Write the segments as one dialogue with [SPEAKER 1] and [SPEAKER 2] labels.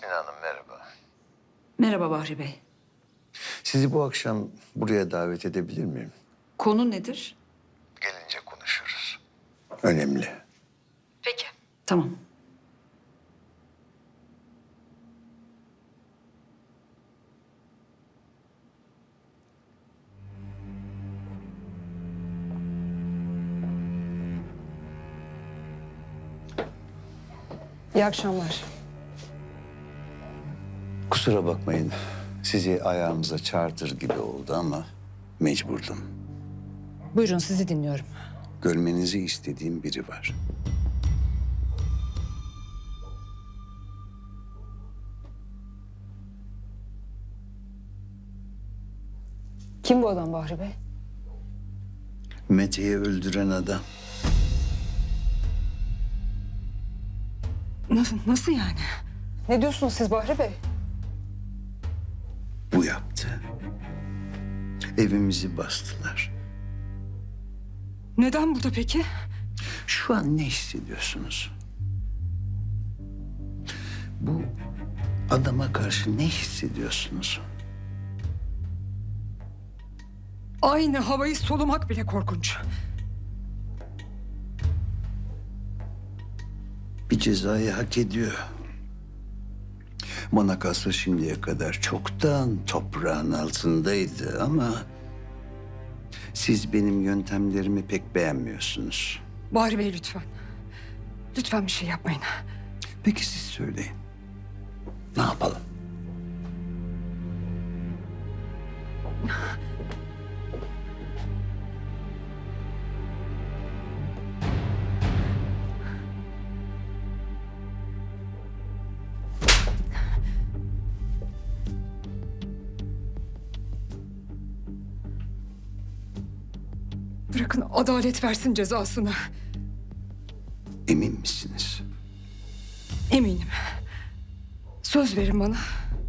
[SPEAKER 1] Mine Hanım merhaba.
[SPEAKER 2] Merhaba Bahri Bey.
[SPEAKER 1] Sizi bu akşam buraya davet edebilir miyim?
[SPEAKER 2] Konu nedir?
[SPEAKER 1] Gelince konuşuruz. Önemli.
[SPEAKER 2] Peki. Tamam.
[SPEAKER 3] İyi akşamlar.
[SPEAKER 1] Kusura bakmayın. Sizi ayağımıza çağırtır gibi oldu ama mecburdum.
[SPEAKER 3] Buyurun sizi dinliyorum.
[SPEAKER 1] Görmenizi istediğim biri var.
[SPEAKER 3] Kim bu adam Bahri Bey?
[SPEAKER 1] Mete'yi öldüren adam.
[SPEAKER 3] Nasıl yani? Ne diyorsunuz siz Bahri Bey?
[SPEAKER 1] Bu yaptı. Evimizi bastılar.
[SPEAKER 3] Neden burada peki?
[SPEAKER 1] Şu an ne hissediyorsunuz? Bu adama karşı ne hissediyorsunuz?
[SPEAKER 3] Aynı havayı solumak bile korkunç.
[SPEAKER 1] Bir cezayı hak ediyor. Bana kalsa şimdiye kadar çoktan toprağın altındaydı ama siz benim yöntemlerimi pek beğenmiyorsunuz.
[SPEAKER 3] Bahri Bey lütfen. Lütfen bir şey yapmayın.
[SPEAKER 1] Peki siz söyleyin. Ne yapalım?
[SPEAKER 3] Bırakın adalet versin cezasını.
[SPEAKER 1] Emin misiniz?
[SPEAKER 3] Eminim. Söz verin bana.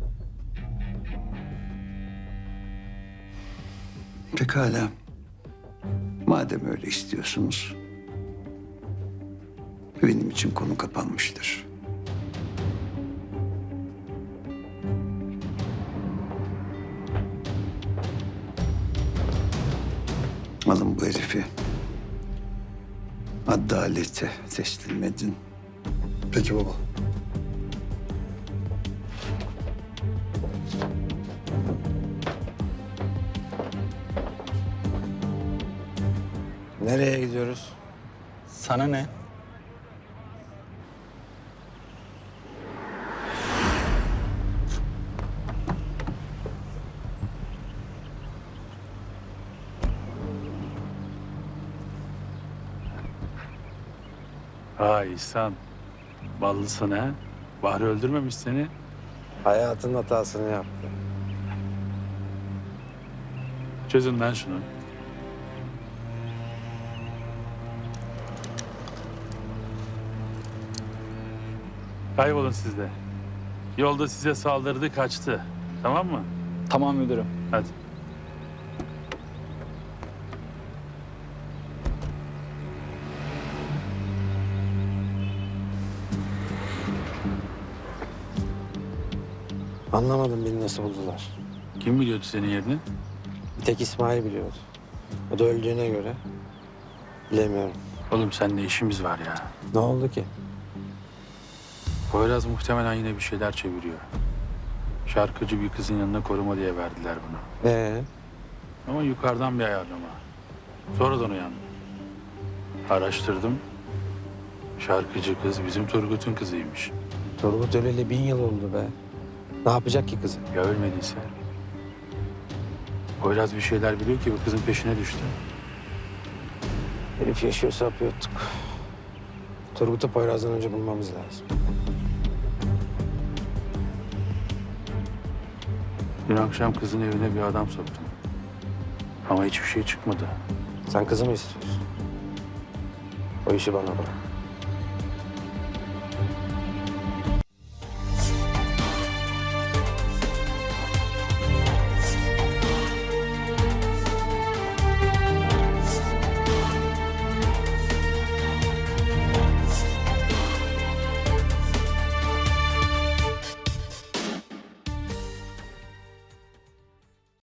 [SPEAKER 1] Pekala. Madem öyle istiyorsunuz, benim için konu kapanmıştır. Alın bu herifi. Adalete teslim edin.
[SPEAKER 4] Peki baba.
[SPEAKER 5] Nereye gidiyoruz?
[SPEAKER 6] Sana ne?
[SPEAKER 7] Vay İhsan. Ballısın ha. Bahri öldürmemiş seni.
[SPEAKER 5] Hayatın hatasını yaptı.
[SPEAKER 7] Çözün lan şunu. Kaybolun siz de. Yolda size saldırdı, kaçtı. Tamam mı?
[SPEAKER 6] Tamam müdürüm.
[SPEAKER 7] Hadi.
[SPEAKER 5] Anlamadım beni nasıl buldular.
[SPEAKER 7] Kim biliyordu senin yerini?
[SPEAKER 5] Bir tek İsmail biliyordu. O da öldüğüne göre bilemiyorum.
[SPEAKER 7] Oğlum seninle işimiz var ya.
[SPEAKER 5] Ne oldu ki?
[SPEAKER 7] Poyraz muhtemelen yine bir şeyler çeviriyor. Şarkıcı bir kızın yanına koruma diye verdiler bunu. Ama yukarıdan bir ayarlama. Sonradan uyandım. Araştırdım. Şarkıcı kız bizim Turgut'un kızıymış.
[SPEAKER 5] Turgut öleli 1000 yıl oldu be. Ne yapacak ki kızı?
[SPEAKER 7] Ya ölmediyse? Poyraz bir şeyler biliyor ki bu kızın peşine düştü.
[SPEAKER 5] Herif yaşıyorsa yapıyorduk. Turgut'u Poyraz'dan önce bulmamız lazım.
[SPEAKER 7] Dün akşam kızın evine bir adam soktum. Ama hiçbir şey çıkmadı.
[SPEAKER 5] Sen kızı mı istiyorsun? O işi bana bırak.